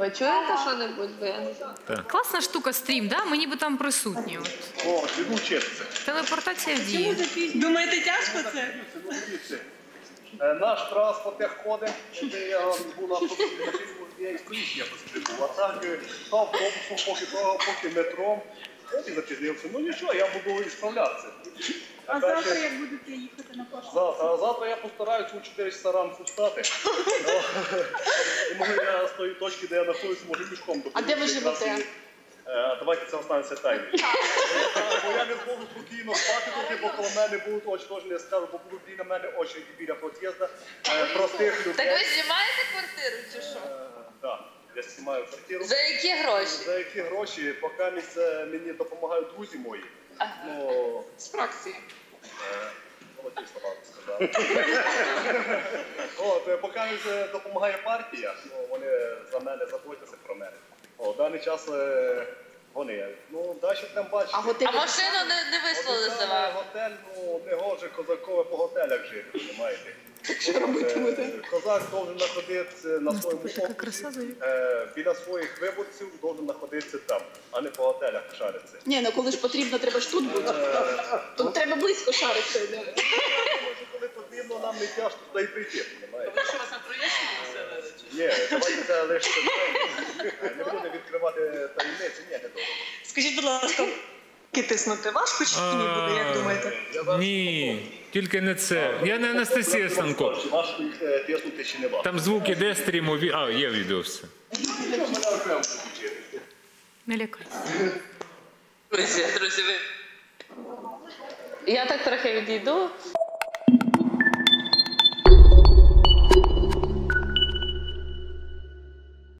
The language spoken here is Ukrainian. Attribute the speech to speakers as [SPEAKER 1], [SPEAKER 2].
[SPEAKER 1] Чуєте що-небудь? Бо я не знаю.
[SPEAKER 2] Класна штука стрім, да? Ми ніби там присутні.
[SPEAKER 3] О, піду вчитися.
[SPEAKER 2] Телепортація в дії.
[SPEAKER 4] Думаєте, тяжко це?
[SPEAKER 3] Наш транспорт як ходить, де я був на автобусі, я і стоїть якось прибув. А так, то автобусом, поки метром, і запізнився. Ну нічого, я буду справлятися.
[SPEAKER 4] А завтра як будете їхати на пошту?
[SPEAKER 3] Завтра я постараюсь у 4 часа ранку встати. І може я з тої точки, де я знаходжусь, може пішком до.
[SPEAKER 1] А де ви живете?
[SPEAKER 3] Давайте це останеться тайною. Бо я не зможу спокійно спати, бо коло мене будуть очі, теж не скажу, бо будуть біля мене очі біля під'їзду простих людей.
[SPEAKER 1] Так ви знімаєте квартиру чи що?
[SPEAKER 3] Так, я знімаю квартиру.
[SPEAKER 1] За які гроші?
[SPEAKER 3] За які гроші? Поки мені допомагають друзі мої.
[SPEAKER 1] З фракції.
[SPEAKER 3] Золоті слова сказав. Поки допомагає партія, вони за мене заботяться про мене. В даний час вони. Ну, далі там бачите.
[SPEAKER 1] А машину не вислали за вами?
[SPEAKER 3] Готель, ну, не гоже козакове по готелях жити, розумієте?
[SPEAKER 1] Що робити буде?
[SPEAKER 3] Козак повинен знаходитися на своєму
[SPEAKER 2] Така краса, Зоя.
[SPEAKER 3] біля своїх виборців, повинен знаходитися там, а не по готелях шаритися.
[SPEAKER 5] Ні, ну коли ж потрібно, треба ж тут бути. Тут треба близько шаритися.
[SPEAKER 3] Коли потрібно, нам не тяжко туди й прийти, розумієте?
[SPEAKER 4] Ви що, вас на Троєщині поселили?
[SPEAKER 3] Ні, давайте це лише не будемо відкривати таємниці, ні, не добре.
[SPEAKER 4] Скажіть, будь ласка, тиснути важко чи ні буде, як думаєте?
[SPEAKER 6] Ні, тільки не це. Я не Анастасія Станко.
[SPEAKER 3] Важко їх тиснути чи не важко.
[SPEAKER 6] Там звук іде стріму. А, є відео все.
[SPEAKER 2] Не лякайся.
[SPEAKER 1] Друзі, я так трохи відійду.